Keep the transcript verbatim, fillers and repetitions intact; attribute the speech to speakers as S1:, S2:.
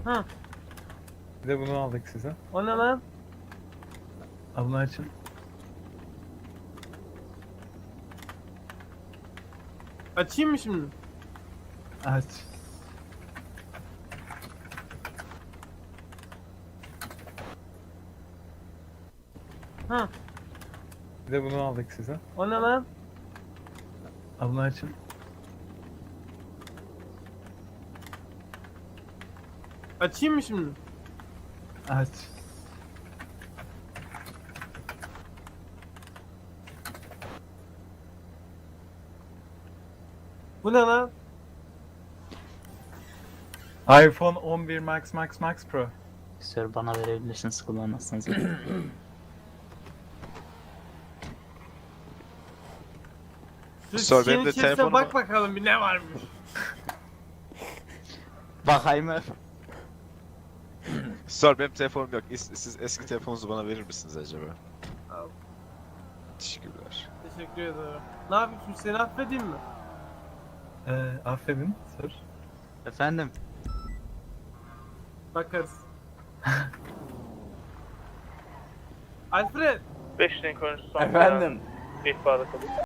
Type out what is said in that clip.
S1: Ha,
S2: Bir de bunu aldık size.
S1: o ne lan?
S2: Abla açın.
S1: Açayım mı şimdi?
S2: Aç.
S1: Ha,
S2: Bir de bunu aldık size.
S1: o ne lan?
S2: Abla açın.
S1: Açayım mı şimdi?
S2: Aç.
S1: Bu ne lan?
S2: iPhone on bir Max Max Max Pro.
S3: Sir bana verebilirsiniz kullanmazsanız.
S1: Şu
S4: Sor,
S1: şişenin
S4: benim de
S1: içerisine
S4: telefonuma-
S1: bak bakalım bir ne varmış.
S3: Bakayım mı?
S4: Sor, benim telefonum yok. İs- Siz eski telefonunuzu bana verir misiniz acaba?
S1: Al.
S4: Teşekkürler.
S1: Teşekkür ederim. Ne yapayım şimdi, seni affedeyim mi?
S2: Ee, affedin sir.
S3: Efendim?
S1: Bakarız. Alfred!
S5: beş renk oyuncusu son
S6: Efendim.
S5: ihbarda kalıyor.